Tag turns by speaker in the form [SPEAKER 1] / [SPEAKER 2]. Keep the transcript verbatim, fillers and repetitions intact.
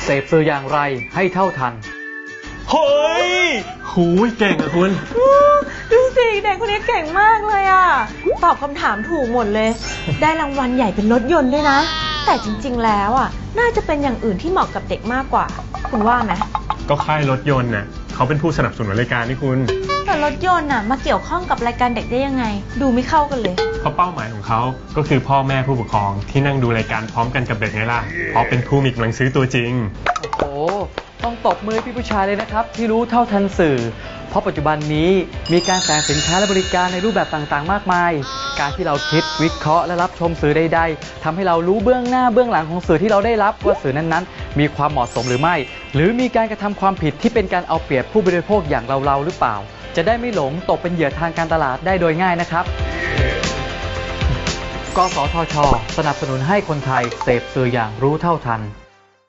[SPEAKER 1] เสพสื่ออย่างไรให้เท่าทัน
[SPEAKER 2] เฮ้ยหูยเก่งอะคุณ
[SPEAKER 3] ดูสิเด็กคนนี้เก่งมากเลยอะตอบคำถามถูกหมดเลยได้รางวัลใหญ่เป็นรถยนต์ด้วยนะแต่จริงๆแล้วอะน่าจะเป็นอย่างอื่นที่เหมาะกับเด็กมากกว่าคุณว่าไหม
[SPEAKER 2] ก็ค่ายรถยนต์น่ะเขาเป็นผู้สนับสนุนรายการนี่คุณ
[SPEAKER 3] แต่รถยนต์น่ะมาเกี่ยวข้องกับรายการเด็กได้ยังไงดูไม่เข้ากันเลย
[SPEAKER 2] เพราะเป้าหมายของเขาก็คือพ่อแม่ผู้ปกครองที่นั่งดูรายการพร้อมกันกับเด็กไงล่ะเพราะเป็นผู้มีกำลังซื้อตัวจริง
[SPEAKER 1] โอ้โหต้องตบมือพี่ผู้ชายเลยนะครับที่รู้เท่าทันสื่อเพราะปัจจุบันนี้มีการแสดงสินค้าและบริการในรูปแบบต่างๆมากมายการที่เราคิดวิเคราะห์และรับชมสื่อใดๆทำให้เรารู้เบื้องหน้าเบื้องหลังของสื่อที่เราได้รับว่าสื่อนั้นๆมีความเหมาะสมหรือไม่หรือมีการกระทำความผิดที่เป็นการเอาเปรียบผู้บริโภคอย่างเราๆหรือเปล่าจะได้ไม่หลงตกเป็นเหยื่อทางการตลาดได้โดยง่ายนะครับกสทช.สนับสนุนให้คนไทยเสพสื่ออย่างรู้เท่าทัน